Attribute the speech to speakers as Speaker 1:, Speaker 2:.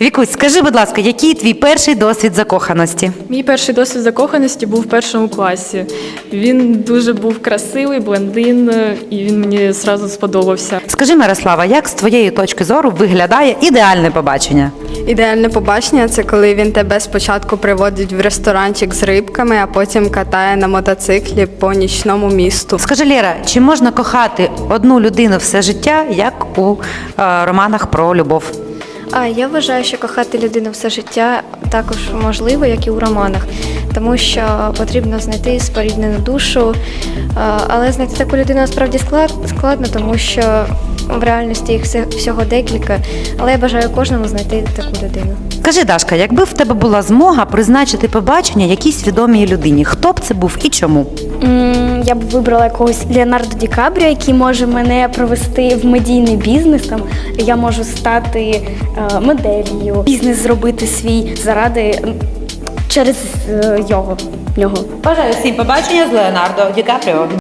Speaker 1: Вікусь, скажи, будь ласка, який твій перший досвід закоханості?
Speaker 2: Мій перший досвід закоханості був в першому класі. Він дуже був красивий, блондин, і він мені одразу сподобався.
Speaker 1: Скажи, Мирослава, як з твоєї точки зору виглядає ідеальне побачення?
Speaker 3: Ідеальне побачення – це коли він тебе спочатку приводить в ресторанчик з рибками, а потім катає на мотоциклі по нічному місту.
Speaker 1: Скажи, Лєра, чи можна кохати одну людину все життя, як у романах про любов?
Speaker 4: Я вважаю, що кохати людину все життя також можливо, як і у романах, тому що потрібно знайти споріднену душу, але знайти таку людину насправді складно, тому що в реальності їх всього декілька, але я бажаю кожному знайти таку людину.
Speaker 1: Скажи, Дашка, якби в тебе була змога призначити побачення якійсь відомій людині, хто б це був і чому?
Speaker 5: Я б вибрала якогось Леонардо Ді Капріо, який може мене провести в медійний бізнес. Там я можу стати моделлю, бізнес зробити свій через нього.
Speaker 1: Бажаю всім побачення з Леонардо Ді Капріо.